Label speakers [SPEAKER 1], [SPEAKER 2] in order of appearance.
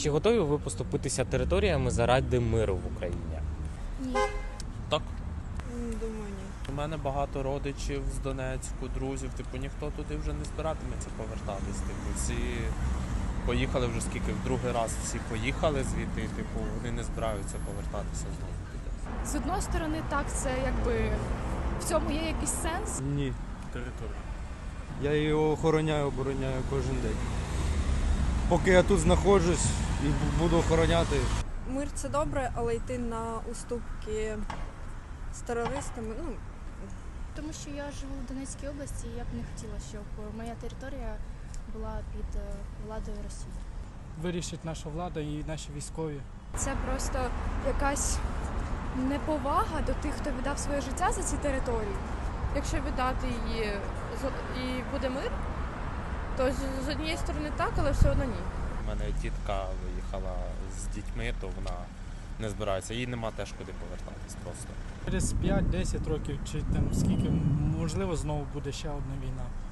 [SPEAKER 1] Чи готові ви поступитися територіями заради миру в Україні?
[SPEAKER 2] Ні.
[SPEAKER 3] Так.
[SPEAKER 2] Думаю, ні.
[SPEAKER 3] У мене багато родичів з Донецьку, друзів, ніхто туди вже не збиратиметься повертатись. Всі поїхали вже скільки, в другий раз всі поїхали звідти, вони не збираються повертатися знову туди.
[SPEAKER 4] З одної сторони, так, це якби в цьому є якийсь сенс.
[SPEAKER 5] Ні.
[SPEAKER 3] Територія.
[SPEAKER 5] Я її охороняю, обороняю кожен день. Поки я тут знаходжусь і буду охороняти.
[SPEAKER 2] Мир це добре, але йти на уступки з терористами,
[SPEAKER 4] Тому що я живу в Донецькій області, і я б не хотіла, щоб моя територія була під владою Росії.
[SPEAKER 6] Вирішить наша влада і наші військові.
[SPEAKER 4] Це просто якась неповага до тих, хто віддав своє життя за ці території. Якщо віддати її і буде мир, то з однієї сторони так, але все одно ні.
[SPEAKER 3] У мене тітка виїхала з дітьми, то вона не збирається. Їй нема теж куди повертатись просто.
[SPEAKER 6] Через 5-10 років чи там скільки, можливо, знову буде ще одна війна.